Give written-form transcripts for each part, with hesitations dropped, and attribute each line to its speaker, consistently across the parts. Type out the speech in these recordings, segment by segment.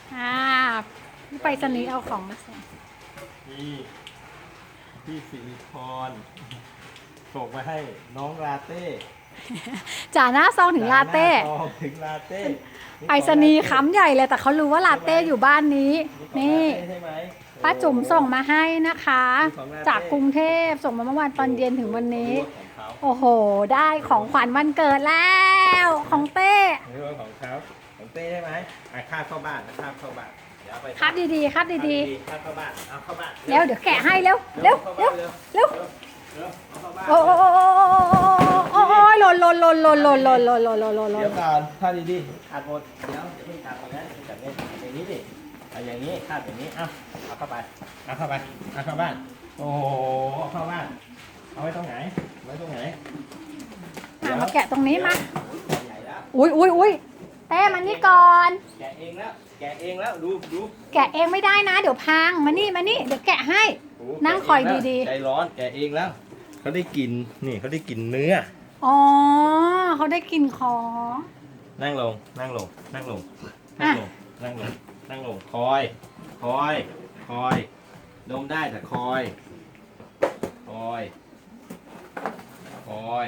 Speaker 1: อ่าพี่ไปสนีย์เอาของมาส่ง
Speaker 2: นี่พี่สิริพรส่งมาให้น้องลาเต้
Speaker 1: จ่าหน้าซองถึงลาเต้
Speaker 2: หน้ซองถึงลาเต้
Speaker 1: ไปสนีย์ค้ำใหญ่เลยแต่เขารู้ว่าลาเต้อยู่บ้านนี้ นี่
Speaker 2: ใช่ไหม
Speaker 1: ป้าจุ๋มส่งมาให้นะคะ
Speaker 2: ของลาเต้
Speaker 1: จากกรุงเทพส่งมาเมื่อวานตอนเย็นถึงวันนี้
Speaker 2: ของเขา
Speaker 1: โอ้โห ได้ของขวัญวันเกิดแล้วของเต้
Speaker 2: นี่ว่าของเขาของเต้ใช่ไหมค่าเข้าบ้านนะค่าเข้าบ้านเดี๋ยวเอาไป
Speaker 1: ครับดีๆครับดี
Speaker 2: ค่าเข้าบ้านเอาเข้าบ้าน
Speaker 1: ๆเดี๋ยวแกะให้เร็วเร็วเร็วเร็ว
Speaker 2: เอาเข้าบ้าน
Speaker 1: โอ้โอ้โอ้โอ้หล่น
Speaker 2: เดี๋ยวก่อนค่าดีๆขาดหมดเดี๋ยวเพิ่งขาดหมดนะจับอย่างนี้ดิเอาอย่างนี้คาดอย่างนี้เอาเข้าไปเอาเข้าไปเอาเข้าบ้านโอ้โหเอาเข้าบ้านเอาไว้ตรงไหนไว้ตรงไหน
Speaker 1: มาแกะตรงนี้มา
Speaker 2: ใหญ่แล้ว
Speaker 1: อุ้ยเต้มันนี่ก่อน
Speaker 2: แกะเองแล้วแกะเองแล้วดู
Speaker 1: แกะเองไม่ได้นะ เดี๋ยวพังมานี่เดี๋ยวแกะให้
Speaker 2: โอ้
Speaker 1: นั่งคอยดีๆ
Speaker 2: ใจร้อนแกะเองแล้วเขาได้กินนี่เขาได้กินเนื้อ
Speaker 1: อ๋อเขาได้กินของ
Speaker 2: นั่งลงนั่งลงนั่งลง
Speaker 1: อ่ะ
Speaker 2: นั่งลงนั่งลงคอยดมได้แต่คอยคอยค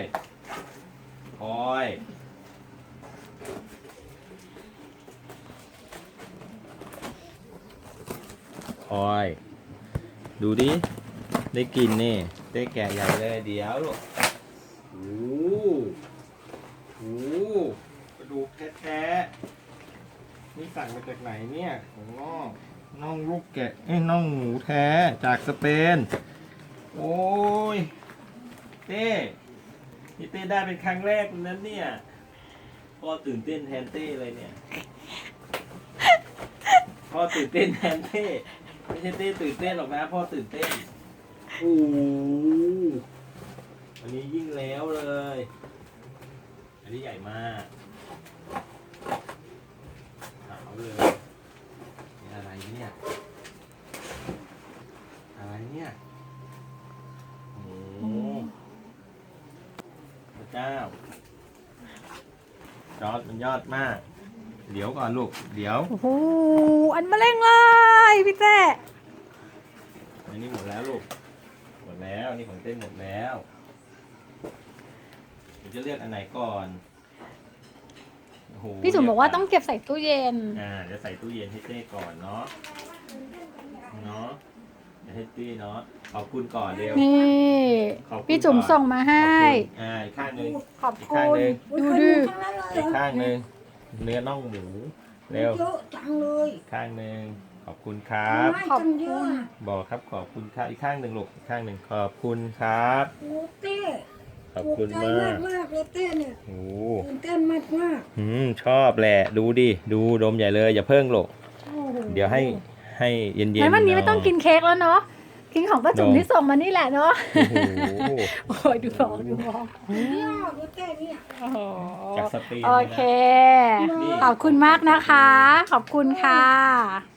Speaker 2: อยดูดิได้กินนี่ได้แกะใหญ่เลยเดี๋ยวลูกโอ้โหกระดูกแท้ๆนี่สั่งมาจากไหนเนี่ยของน่องลูกแกะน่องหมูแท้จากสเปนโอ้ยเต้นี่เต้ได้เป็นครั้งแรกนั้นเนี่ยพ่อตื่นเต้นแทนเต้เลยเนี่ยพ่อตื่นเต้นแทนเต้ไม่ใช่เต้ตื่นเต้นหรอกนะพ่อตื่นเต้นโอ้อันนี้ยิ่งแล้วเลยอันนี้ใหญ่มากเอาเลยนี่อะไรเนี่ยอะไรเนี่ยโอ้พระเจ้ายอดมันยอดมากเดี๋ยวก่อนลูกเดี๋ยว
Speaker 1: โอ้โหอันมาเร่งเลยพี่เต้
Speaker 2: อันนี้หมดแล้วลูกหมดแล้วอันนี้ของเต้นหมดแล้วเดี๋ยวจะเลือกอันไหนก่อนโอ้โห
Speaker 1: พี่จุ๋มบอกว่าต้องเก็บใส่ตู้เย็น
Speaker 2: เดี๋ยวใส่ตู้เย็นให้เต้ก่อนเนาะเดี๋ยวให้เต้เนาะขอบคุณก่อนเร็ว
Speaker 1: นี่
Speaker 2: ขอบคุณ
Speaker 1: พี่จุ๋ม
Speaker 2: ก่อน
Speaker 1: ส่งมาให้
Speaker 2: อีกข้างหนึ่ง
Speaker 1: ขอบ
Speaker 2: อีก
Speaker 1: คุ
Speaker 2: ข้าง
Speaker 1: ณ
Speaker 2: หนึ่ง
Speaker 1: ดูดิ
Speaker 2: อีกข้างหนึ่งเนื้อน่องหมูเร็ว
Speaker 3: เยอะจังเลย
Speaker 2: อีกข้างหนึ่งขอบคุณครับ
Speaker 3: ไม่กันเยอะอะ
Speaker 2: บอกครับขอบคุณครับอีกข้างหนึ่งลูกอีกข้างหนึ่งขอบคุณครับ
Speaker 3: โอ้เต้
Speaker 2: ขอบ
Speaker 3: ถูก
Speaker 2: คุณ
Speaker 3: ใจ
Speaker 2: มาม
Speaker 3: าก กมากเลยเต้เนี่ย
Speaker 2: โอ้
Speaker 3: ตื่นเต้นมากมาก
Speaker 2: ชอบแหละดูดิดูดมใหญ่เลยอย่าเพิ่งลูก
Speaker 3: โอ้โห
Speaker 2: เดี๋ยวให้เย็นๆ
Speaker 1: งั้นวันนี้ไม่ต้องกินเค้กแล้วเนาะกินของป้าจุ๋มที่ส่งมานี่แหละเนาะ
Speaker 2: โอ้โห
Speaker 1: โอ้ยดูบอก
Speaker 3: เนี่ยเลยเต้เนี่ย
Speaker 1: โอ้โห
Speaker 2: จากสเปน
Speaker 1: โอ
Speaker 2: เลยนะ
Speaker 1: เค ขอบคุณมากนะคะ ขอบคุณค่ะ